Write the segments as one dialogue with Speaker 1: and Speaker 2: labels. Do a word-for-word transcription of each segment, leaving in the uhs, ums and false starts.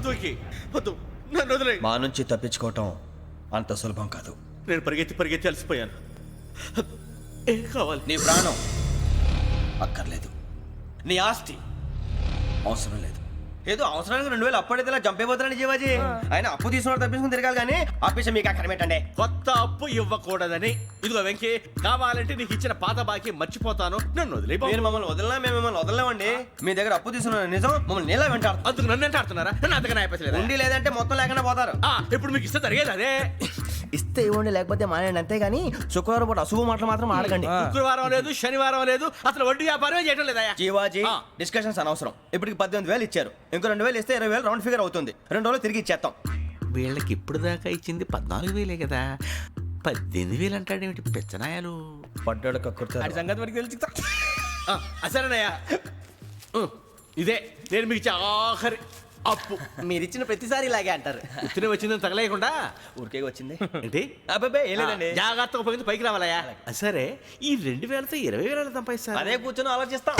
Speaker 1: వద్దు వెంకీ వద్దు, నన్ను వదిలే.
Speaker 2: మా నుంచి తప్పించుకోవటం అంత సులభం కాదు.
Speaker 1: నేను పరిగెత్తి పరిగెత్తి అలసిపోయాను. ఏం కావాలి?
Speaker 2: నీ ప్రాణం అక్కర్లేదు, నీ ఆస్తి అవసరం లేదు. ఏదో అవసరానికి రెండు వేలు అప్పుడైతే ఇలా చంపేపోతారని జీవాజీ. ఆయన అప్పు తీసుకున్న తప్పించుకుని తిరగాలి కానీ ఆపేసి మీకు అక్కడ పెట్టండి.
Speaker 1: కొత్త అప్పు ఇవ్వకూడదని. ఇదిగో వెంకీ, కావాలంటే నీకు ఇచ్చిన పాత బాకీ మర్చిపోతాను, నన్ను వదిలే.
Speaker 2: మీరు మమ్మల్ని వదలనా? మేము మిమ్మల్ని వదలలేమండి. మీ దగ్గర అప్పు తీసుకున్న నిజం మమ్మల్ని నీలా వెంటాడు.
Speaker 1: అందుకు నన్ను ఎంత ఆడుతున్నారా? నన్ను అంతగా నాయపచ్చలేదు.
Speaker 2: ఉండి లేదంటే మొత్తం లేకుండా పోతారు.
Speaker 1: ఇప్పుడు మీకు ఇస్తే జరిగేది అదే.
Speaker 2: ఇస్తే ఇవ్వండి, లేకపోతే మానేయండి, అంతేగాని శుక్రవారం పూట అశుభ మాటలు మాత్రం ఆడకండి.
Speaker 1: శుక్రవారం లేదు, శనివారం లేదు, అసలు వడ్డీ వ్యాపారమే చేయడం లేదా?
Speaker 2: జీవాజీ, డిస్కషన్స్ అనవసరం. ఇప్పటికి పద్దెనిమిది వేలు ఇచ్చారు, ఇంకో రెండు వేలు ఇస్తే ఇరవై వేలు రౌండ్ ఫిగర్ అవుతుంది. రెండు రోజులు తిరిగి ఇచ్చేస్తాం.
Speaker 1: వీళ్ళకి ఇప్పుడు దాకా ఇచ్చింది పద్నాలుగు వేలే కదా, పద్దెనిమిది వేలు అంటాడేమిటి పెచ్చనాయాలు?
Speaker 2: పడ్డాడు కక్కుర్తాడు.
Speaker 1: సంగతి వరకు తెలిసి అసలేనయ్యా, ఇదే నేను మీకు ఇచ్చే ఆఖరి అప్పు.
Speaker 2: మీరు ఇచ్చిన ప్రతిసారి ఇలాగే అంటారు.
Speaker 1: ఉత్తినే వచ్చిందని తగలేయకుండా
Speaker 2: ఊరికే వచ్చింది
Speaker 1: ఏంటి?
Speaker 2: అబ్బాయి ఏం లేదండి.
Speaker 1: జాగ్రత్తగా ఉపయోగించి పైకి రావాలయ్యా. సరే, ఈ రెండు వేలతో ఇరవై వేల సంపాదిస్తారు.
Speaker 2: అదే కూర్చొని ఆలోచిస్తాం.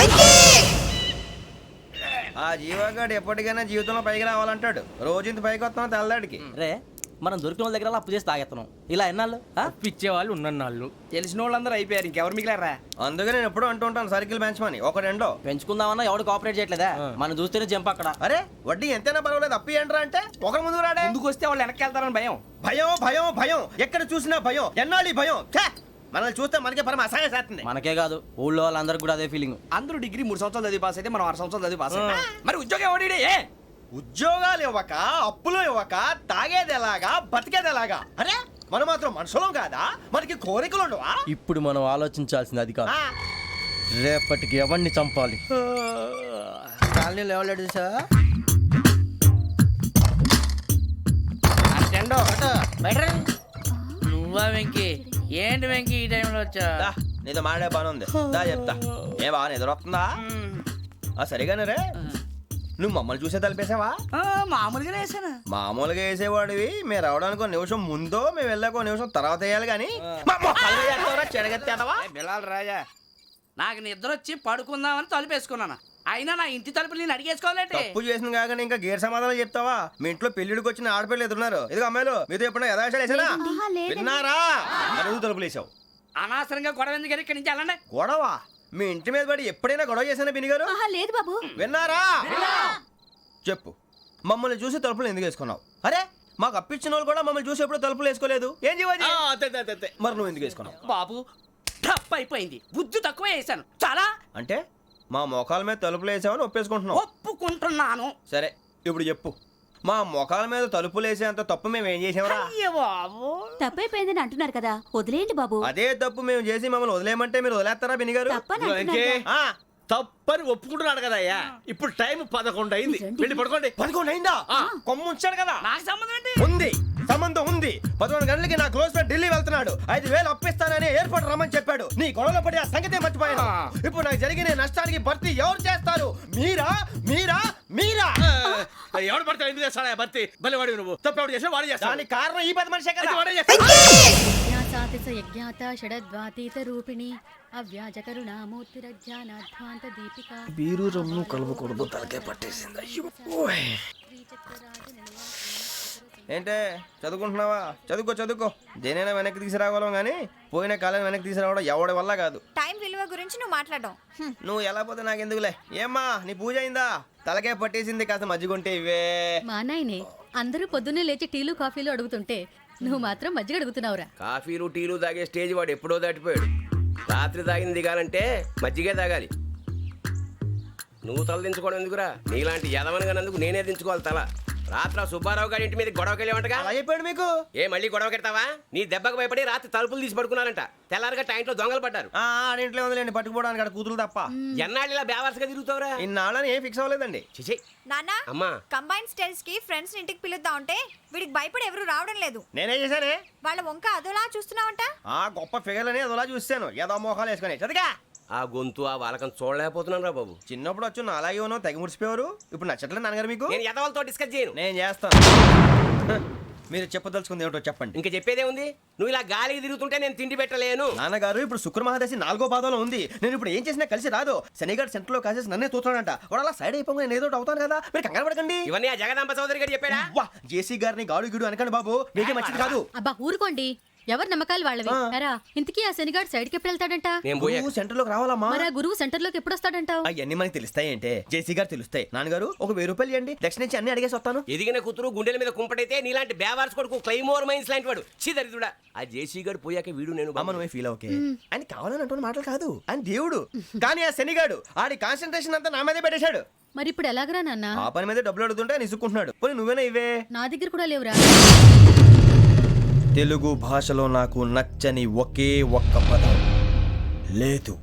Speaker 2: ఆ జీవగాడు ఎప్పటికైనా జీవితంలో పైకి రావాలంటాడు. రోజు ఇంత పైకి వస్తాం తెల్లడికి.
Speaker 3: రే, మనం దొరికిన వాళ్ళ దగ్గర అప్పు చేసి తాగెత్తనం. ఇలా ఎన్నాళ్ళు
Speaker 4: పిచ్చే వాళ్ళు ఉన్నన్నాళ్ళు తెలిసిన వాళ్ళందరూ అయిపోయారు, ఇంకెవరు మిగిలారా?
Speaker 2: అందుకే నేను ఎప్పుడు అంటూ ఉంటాను సర్కిల్ బెంచ్ మని ఒక రెండో
Speaker 3: పెంచుకుందామన్నా ఎవడు కోఆపరేట్ చేయట్లేదా? మనం చూస్తేనే జంప్ అక్కడ.
Speaker 2: అరే వడ్డీ ఎంతైనా పర్వాలేదు, అప్పు ఏంట్రా అంటే ఒక ముందు రాడే.
Speaker 4: ముందుకు వస్తే వాళ్ళు వెనక్కి వెళ్తారని భయం.
Speaker 2: భయం భయం భయం ఎక్కడ చూసినా భయం. ఎన్నాళ్ళు భయం? మనల్ని చూస్తే మనకే పరమ అసహాయం చేస్తుంది.
Speaker 3: మనకే కాదు, ఊళ్ళో వాళ్ళందరికీ కూడా అదే ఫీలింగ్.
Speaker 4: అందరూ డిగ్రీ మూడు సంవత్సరాలు చదివి పాస్ అయితే మనం ఆరు సంవత్సరాలు చదివి పాస్ అయ్యాం. మరి ఉద్యోగం ఎవడి?
Speaker 2: ఉద్యోగాలు ఇవ్వక, అప్పులు ఇవ్వక, తాగేది ఎలాగా, బతికేది ఎలాగా? అరే మనం మాత్రం మనుషులం కాదా? మనకి కోరికలు ఉండవా?
Speaker 3: ఇప్పుడు మనం ఆలోచించాల్సింది అది కాదు, రేపటికి ఎవరిని చంపాలి.
Speaker 4: కాలనీలో ఎవరు సార్?
Speaker 5: నువ్వా వెంకీ? ఏంటి వెంకీ ఈ టైంలో వచ్చా?
Speaker 2: నీతో మాడే పని ఉంది, దా చెప్తా. ఏ బాగా నిద్రొస్తుందా? సరిగానే రే, నువ్వు మమ్మల్ని చూసే తలిపేసావా?
Speaker 5: మామూలుగానే వేసాను.
Speaker 2: మామూలుగా వేసేవాడివి. మేము రావడానికి ఒక నిమిషం ముందో మేము వెళ్ళాక ఒక నిమిషం తర్వాత వేయాలి కానీ
Speaker 4: బిలాల్ రాజా,
Speaker 5: నాకు నిద్ర వచ్చి పడుకుందామని తలుపేసుకున్నాను. అయినా నా ఇంటి తలుపులు నేను అడిగేసుకోవాలంటే
Speaker 2: తప్పు చేసిన కాక ఇంకా గేర్ సమాధానం చెప్తావా? మీ ఇంట్లో పెళ్లిడికి వచ్చిన ఆడపిల్లలు ఎదురున్నారు. ఇదిగో అమ్మాయిలు, మీతో ఎప్పుడైనా యథాశాలు వేసానా? విన్నారా? అడుగు తలుపులు వేసావు.
Speaker 5: అనవసరంగా గొడవ ఎందుకు? ఇక్కడి నుంచి వెళ్ళండి.
Speaker 2: గొడవ? మీ ఇంటి మీద పడి ఎప్పుడైనా గొడవ చేశానా బిని గారు?
Speaker 6: లేదు బాబు.
Speaker 2: విన్నారా? చెప్పు, మమ్మల్ని చూసి తలుపులు ఎందుకు వేసుకున్నావు? అరే మాకు అప్పించిన వాళ్ళు కూడా మమ్మల్ని చూసి ఎప్పుడు తలుపులు వేసుకోలేదు. ఏం జీవాజీ? మరి నువ్వు ఎందుకు వేసుకున్నావు?
Speaker 5: బాబు టప్ అయిపోయింది, బుద్ధి తక్కువ వేసాను చాలా.
Speaker 2: అంటే మా మోకాల మీద తలుపులు వేసామని ఒప్పేసుకుంటున్నావు?
Speaker 5: ఒప్పుకుంటున్నాను.
Speaker 2: సరే ఇప్పుడు చెప్పు, మా మొఖాల మీద తలుపులు వేసేంత తప్పు మేము ఏం చేసామరా?
Speaker 6: తప్పైపోయిందని అంటున్నారు కదా, వదిలేయండి బాబు.
Speaker 2: అదే తప్పు మేము చేసి మమ్మల్ని వదిలేయమంటే మీరు వదిలేస్తారా బినిగారు?
Speaker 1: తప్పని ఒప్పుకుంటున్నాడు కదా అయ్యా. ఇప్పుడు టైం పదకొండు అయింది, వెళ్ళి పడుకోండి.
Speaker 2: పదకొండు అయిందా? కొమ్ము ఉంచాడు కదా.
Speaker 5: నాకు సంబంధం ఏంటి?
Speaker 2: ఉంది, సంబంధం ఉంది. పదకొండు గంటలకి నా క్లోజ్ ఫ్రెండ్ ఢిల్లీ వెళ్తున్నాడు. ఐదు వేలు అప్పిస్తానని ఎయిర్పోర్ట్ రమ్మని చెప్పాడు. నీ గొడవలో పడి ఆ సంగతే మర్చిపోయాను. ఇప్పుడు నాకు జరిగిన నష్టానికి భర్తీ ఎవరు చేస్తారు? మీరా మీరా మీరా?
Speaker 1: ఎవడు పడతావు? ఎందుకు చేస్తాడా భర్తీ? భలే వాడి నువ్వు. తప్పు ఎవడు చేసా వాడే చేస్తా.
Speaker 2: దానికి కారణం ఈ పది మనిషే కదా.
Speaker 3: బీరు రమ్ము కలవకూడదు, తలకే పట్టేసింది.
Speaker 2: ఏంటే చదువుకుంటున్నావా? చదువుకో చదువుకో. దేనైనా వెనక్కి తీసుకురావాలం కానీ పోయిన కాలం వెనక్కి తీసుకురావడం ఎవడి వల్ల కాదు.
Speaker 6: టైం విలువ గురించి నువ్వు మాట్లాడడం.
Speaker 2: నువ్వు ఎలా పోతే నాకు ఎందుకులే. ఏమ్మా నీ పూజ అయిందా? తలకే పట్టేసింది, కాస్త మజ్జిగుంటే ఇవే.
Speaker 6: మా నాయనే అందరూ పొద్దున్నే లేచి టీలు కాఫీలు అడుగుతుంటే నువ్వు మాత్రం మజ్జిగ అడుగుతున్నావురా.
Speaker 7: కాఫీలు టీలు తాగే స్టేజ్ వాడు ఎప్పుడో దాటిపోయాడు. రాత్రి తాగింది దిగాలంటే మజ్జిగే తాగాలి. నువ్వు తల దించుకోవడం ఎందుకురా? నీలాంటి యదవనగానందుకు నేనే దించుకోవాలి తల. రాత్రి సుబ్బారావు గారి ఇంటి మీద గొడవకి వెళ్ళామంటగా.
Speaker 2: అలా చెప్పాడు మీకు?
Speaker 7: ఏ మళ్ళీ గొడవ కెడతావా? నీ దెబ్బకు భయపడి రాత్రి తలుపులు తీసి పడుకున్నారంట. తెల్లారగా టైంట్లో దొంగలు పడ్డారు.
Speaker 2: ఆ ఇంట్లో ఉందిలేండి, పట్టుకుపోవడానికి అక్కడ కూతురు తప్ప.
Speaker 7: ఎన్నాళ్ళు ఇలా బేవర్స్గా తిరుగుతావురా?
Speaker 2: ఇన్నాళ్ళని ఏం ఫిక్స్ అవ్వలేదండి.
Speaker 7: చిచి
Speaker 6: నాన్న,
Speaker 7: అమ్మా,
Speaker 6: కంబైన్ స్టైల్స్ కి ఫ్రెండ్స్ ఇంటికి పిలుద్దాం అంటే వీడికి భయపడి ఎవరు రావడం లేదు.
Speaker 2: నేనే చేశానే.
Speaker 6: వాళ్ళ వంక అదోలా చూస్తున్నావంట.
Speaker 2: ఆ గొప్ప ఫిగర్లని అదోలా చూస్తాను, ఏదో మోహాలు వేసుకొని. చదిగా
Speaker 7: ఆ గొంతు ఆ వాళ్ళకం చూడలేకపోతున్నాను రా బాబు.
Speaker 2: చిన్నప్పుడు వచ్చి నా అలాగే ఉన్నావు, తెగ ముడిచిపోయారు. ఇప్పుడు నచ్చట్లేదు నాన్నగారు మీకు?
Speaker 7: నేను యదవలతో డిస్కస్ చేయను.
Speaker 2: నేను చేస్తాను. మీరు చెప్పదలుచుకుంది ఏమిటో చెప్పండి.
Speaker 7: ఇంకా చెప్పేదే ఉంది. నువ్వు ఇలా గాలికి తిరుగుతుంటే నేను తిండి పెట్టలేను.
Speaker 2: నాన్నగారు ఇప్పుడు శుక్ర మహాదశి నాలుగో పాదంలో ఉంది. నేను ఇప్పుడు ఏం చేసినా కలిసి రాదు. శనిగారు సెంటర్ లో కాసేసి నన్నే చూస్తాడంట. వాడు అలా సైడ్ అయిపోయి నేను ఏదో ఒకటి అవుతాను కదా, మీరు కంగారు పడకండి.
Speaker 7: ఇవన్నీ ఆ జగదాంబ చౌదరి గారు చెప్పాడా?
Speaker 2: వా జేసీ గారిని గాడు గిడు అనకండి బాబు, మీకే మంచిది కాదు.
Speaker 6: అబ్బా ఊరుకోండి, ఎవరి నమ్మకాలు వాళ్ళవి. ఎరా ఇంతకీ ఆ శనిగాడు సైడ్ కి ఎప్పుడు వెళ్తాడంట?
Speaker 7: నేను పోయా.
Speaker 2: నువ్వు సెంటర్ లోకి రావాలమ్మా.
Speaker 6: మరి ఆ గురువు సెంటర్ లోకి ఎప్పుడు వస్తాడంటావు?
Speaker 2: అవన్నీ మనకి తెలుస్తాయి అంటే జేసీ గారు తెలుస్తాయి. నాన్నగారు ఒక వెయ్యి రూపాయలు ఇవ్వండి, దక్షిణ నుంచి అన్ని అడిగేసి వస్తాను.
Speaker 7: ఎదిగిన కూతురు గుండెల మీద కుంపటైతే నీలాంటి బేవార్స్ కొడుకు క్లైమోర్ మైన్స్ లాంటి వాడు చీదరిదుడా. ఆ జేసీ గారు పోయాక వీడు నేను
Speaker 2: అమ్మ నువ్వే ఫీల్ ఓకే. ఆయన కావాలని అంటున్న మాటలు కాదు, ఆయన దేవుడు. కానీ ఆ శనిగాడు ఆడి కాన్సన్ట్రేషన్ అంతా నా మీదే పెట్టేశాడు.
Speaker 6: మరి ఇప్పుడు ఎలాగరా నాన్న?
Speaker 2: ఆ పని మీద డబ్బులు అడుగుతుంటే నిసుక్కుంటున్నాడు. పోనీ నువ్వేనా ఇవే?
Speaker 6: నా దగ్గర కూడా లేవురా.
Speaker 2: తెలుగు భాషలో నాకు నచ్చని ఒకే ఒక్క పదం లేదు.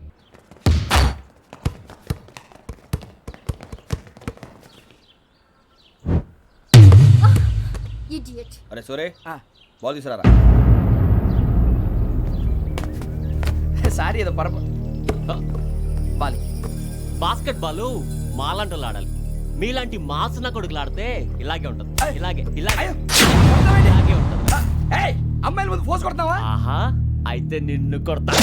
Speaker 2: అరే సూరే, బాల్ తీసుకురారా.
Speaker 4: సారీ ఏదో పరప బాలి.
Speaker 8: బాస్కెట్ బాల్ మాలాంటి వాళ్ళు ఆడాలి. మీలాంటి మాసన కొడుకులు ఆడితే ఇలాగే ఉంటుంది. ఇలాగే ఇలాగే ఇలాగే ఉంటుంది.
Speaker 4: ఏయ్, అమ్మాయిల ముందు ఫోర్స్ కొడతావా?
Speaker 8: ఆహా, అయితే నిన్ను కొడతా.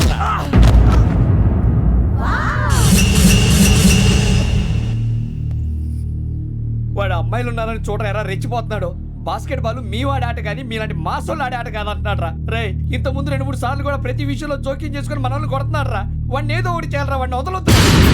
Speaker 4: వాడు అమ్మాయిలు ఉన్నారని చూడరా ఎరా రెచ్చిపోతున్నాడు. బాస్కెట్ బాల్ మీ వాడి ఆట కానీ మీలాంటి మాసోళ్ళు ఆడే ఆట కాదు అంటున్నాడు రా. రే ఇంత ముందు రెండు మూడు సార్లు కూడా ప్రతి విషయంలో జోక్యం చేసుకుని మన వాళ్ళు కొడుతున్నాడు రా. వాడిని ఏదో ఒకటి చేయాలరా, వాడిని వదలొద్దు.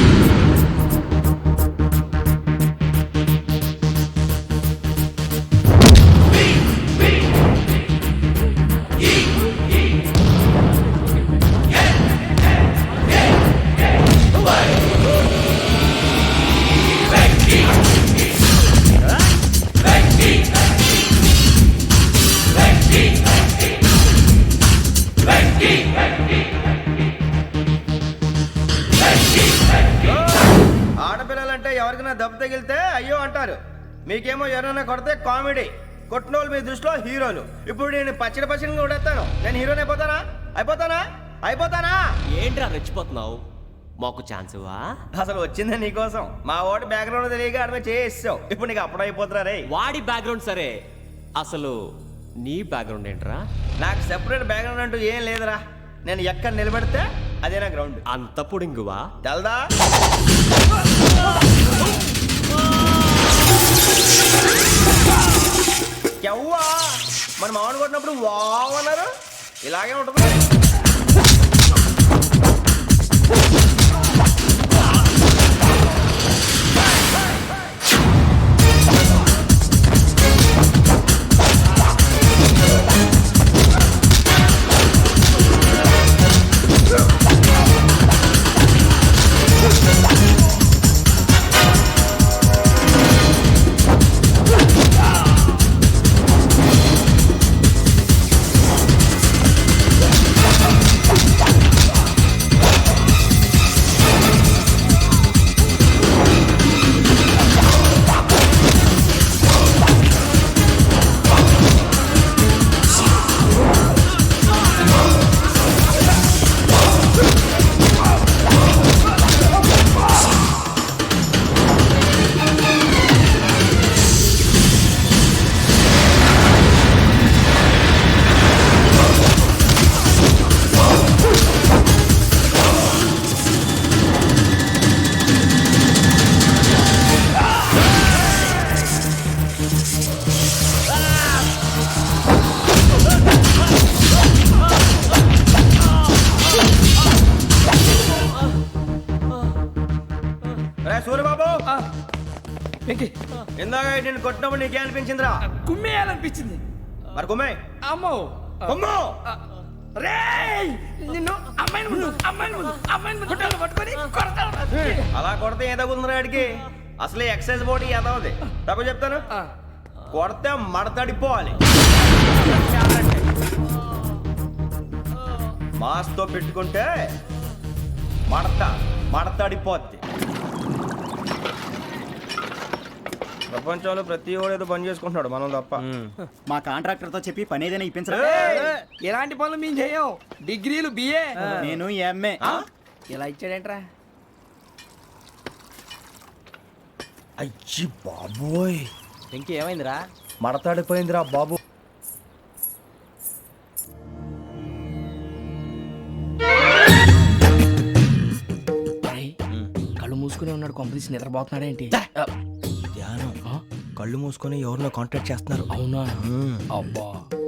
Speaker 2: ఆడపిల్లలంటే ఎవరికైనా దెబ్బ తగిలితే అయ్యో అంటారు, మీకేమో ఎవరైనా కొడితే కామెడీ. కొట్టిన వాళ్ళు మీ దృష్టిలో హీరోలు. ఇప్పుడు నేను పచ్చడి పచ్చడిగా కొడేస్తాను, నేను హీరోని అయిపోతానా? అయిపోతానా? అయిపోతానా?
Speaker 8: ఏంట్రా రెచ్చిపోతున్నావు? మాకు ఛాన్స్ ఇవ్వా?
Speaker 2: అసలు వచ్చిందే నీకోసం. మా ఓటు బ్యాక్గ్రౌండ్ తెలియక ఆడమే చేసావు. ఇప్పుడు నీకు అప్పుడు అయిపోతున్నా రే.
Speaker 8: వాడి బ్యాక్గ్రౌండ్ సరే, అసలు నీ బ్యాక్గ్రౌండ్ ఏంట్రా?
Speaker 2: నాకు సెపరేట్ బ్యాక్గ్రౌండ్ అంటూ ఏం లేదురా. నేను ఎక్కడ నిలబెడితే అదే నా గ్రౌండ్.
Speaker 8: అంత పొడింగువా?
Speaker 2: తెల్దా? ఎవ్వా మన మామిడి కొట్టినప్పుడు వావ్ అన్నారు, ఇలాగే ఉంటుంది. సూర్యబాబు, ఇందాక నేను కొట్టినప్పుడు నీకే అనిపించిందిరా?
Speaker 4: కుమ్మేయాలనిపించింది.
Speaker 2: మరి కుమ్మే.
Speaker 4: అమ్మో
Speaker 2: కుమ్ము.
Speaker 4: రేయ్, నిన్ను అమ్మాయిని ముందు అమ్మాయిని ముందు అమ్మాయిని ముందు గుడ్డలు పట్టుకొని కొడతాను.
Speaker 2: అలా కొడితే ఏ తగ్గుతుందిరా ఆడికి? అసలే ఎక్సైజ్ బాడీ ఏదవుది. తప్పు చెప్తాను, కొడితే మడతడిపోవాలి. మాస్తో పెట్టుకుంటే మడత మడతడిపోద్ది. ప్రపంచంలో ప్రతి వాడు ఏదో పని చేసుకుంటున్నాడు, మనం తప్ప.
Speaker 9: మా కాంట్రాక్టర్ తో చెప్పి పని ఏదైనా ఇప్పించరా?
Speaker 4: ఎలాంటి పనులు మేము చేయం. డిగ్రీలు బిఏ,
Speaker 9: నేను ఎంఏ.
Speaker 4: ఇలా ఇచ్చాడేంట్రా?
Speaker 2: అయ్యి బాబోయ్,
Speaker 3: ఇంకేమైందిరా?
Speaker 2: మడతాడిపోయిందిరా బాబు.
Speaker 5: తీసి నిద్రపోతున్నాడేంటి
Speaker 2: ధ్యానం కళ్ళు మూసుకొని ఎవరినో కాంటాక్ట్ చేస్తున్నారు.
Speaker 5: అవునా అబ్బా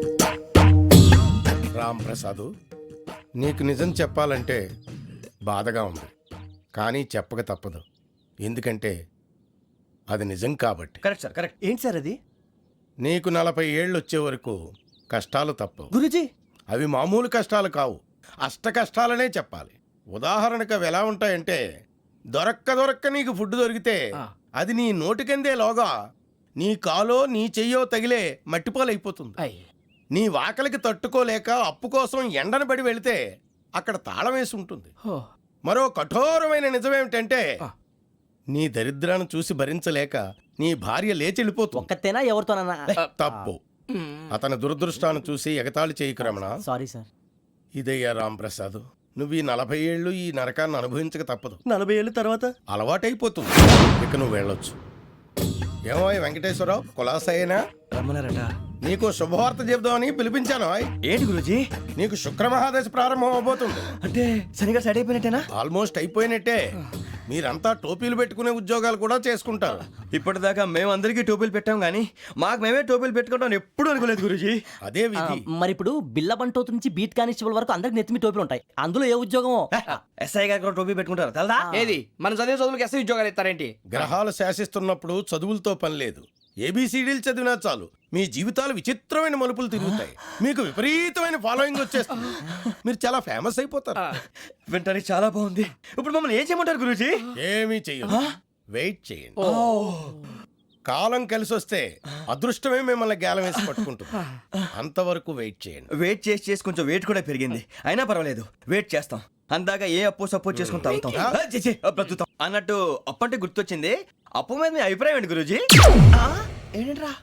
Speaker 10: రామ్ ప్రసాద్, నీకు నిజం చెప్పాలంటే బాధగా ఉంది, కానీ చెప్పక తప్పదు. ఎందుకంటే అది నిజం కాబట్టి.
Speaker 2: Correct sir, correct. ఏంటి సార్ అది?
Speaker 10: నీకు నలభై ఏళ్ళు వచ్చే వరకు కష్టాలు తప్పవు.
Speaker 2: గురుజీ,
Speaker 10: అవి మామూలు కష్టాలు కావు, అష్ట కష్టాలనే చెప్పాలి. ఉదాహరణకు అవి ఎలా ఉంటాయంటే, దొరక్క దొరక్క నీకు ఫుడ్ దొరికితే అది నీ నోటికందే లోగా నీ కాలో నీ చెయ్యో తగిలే మట్టిపాలైపోతుంది. నీ వాకలికి తట్టుకోలేక అప్పు కోసం ఎండను పడి వెళితే అక్కడ తాళం వేసి ఉంటుంది. మరో కఠోరమైన నిజమేమిటంటే, నీ దరిద్రాన్ని చూసి భరించలేక నీ భార్య లేచి వెళ్ళిపోతుంది.
Speaker 3: ఒక్కతేనా ఎవరితోనన్నా?
Speaker 10: తప్పు. అతని దురదృష్టాన్ని చూసి ఎగతాళి చేయకు రమణ.
Speaker 3: Sorry sir.
Speaker 10: ఇదయ్యా రాంప్రసాద్, నువ్వు ఈ నలభై ఏళ్ళు ఈ నరకాన్ని అనుభవించక తప్పదు.
Speaker 2: నలభై ఏళ్ళ తర్వాత
Speaker 10: అలవాటైపోతుంది. ఇక నువ్వు వెళ్ళొచ్చు. ఏమో వెంకటేశ్వరరావు, కులాసైనా
Speaker 2: రమ్మన్నారట.
Speaker 10: నీకు శుభవార్త చెబుదామని పిలిపించాను.
Speaker 2: ఏంటి గురుజీ?
Speaker 10: నీకు శుక్రమహాదశ ప్రారంభం అవబోతుంది.
Speaker 2: అంటే సరిగా సెట్ అయిపోయినట్టేనా?
Speaker 10: ఆల్మోస్ట్ అయిపోయినట్టే. మీరంతా టోపీలు పెట్టుకునే ఉద్యోగాలు కూడా చేసుకుంటారు.
Speaker 2: ఇప్పటిదాకా మేము అందరికీ టోపీలు పెట్టాం కానీ మాకు మేమే టోపీలు పెట్టుకుంటాం ఎప్పుడు అనుకోలేదు గురుజీ.
Speaker 10: అదే విధి.
Speaker 3: మరి ఇప్పుడు బిల్ల బంటోతు నుంచి బీట్ కానిస్టేబుల్ వరకు అందరికి నెత్తిమి టోపీలు ఉంటాయి. అందులో ఏ ఉద్యోగమో?
Speaker 2: ఎస్ఐ గారు కూడా టోపీ పెట్టుకుంటారు తెలదా?
Speaker 4: ఏది మన చదివే చదువులకు ఎస్ఐ ఉద్యోగాలు ఇస్తారేంటి?
Speaker 10: గ్రహాలు శాసిస్తున్నప్పుడు చదువులతో పని లేదు. ఏబిసిడీలు చదివినా చాలు మీ జీవితాలు విచిత్రమైన మలుపులు తిరుగుతాయి. మీకు విపరీతమైన ఫాలోయింగ్ వచ్చేస్తుంది. మీరు చాలా ఫేమస్ అయిపోతారు.
Speaker 2: వింటానికి చాలా బాగుంది. ఇప్పుడు మమ్మల్ని ఏం చేయమంటారు గురూజీ?
Speaker 10: ఏమీ చెయ్యదు, వెయిట్ చేయండి. కాలం కలిసి వస్తే అదృష్టమే మిమ్మల్ని గేలం వేసి పట్టుకుంటుంది. అంతవరకు వెయిట్ చేయండి.
Speaker 2: వెయిట్ చేసి చేసి కొంచెం వెయిట్ కూడా పెరిగింది. అయినా పర్వాలేదు, వెయిట్ చేస్తాం. అందాక ఏ అప్పు సపోర్ట్ చేసుకుని తాగుతాం. ఆ, ఛీ, ఛీ, ఆ, బ్రతుకుతాం అన్నట్టు. అప్పు అంటే గుర్తొచ్చింది. అప్పు మీద మీ అభిప్రాయం ఏంటి గురూజీ? ఏంటరా?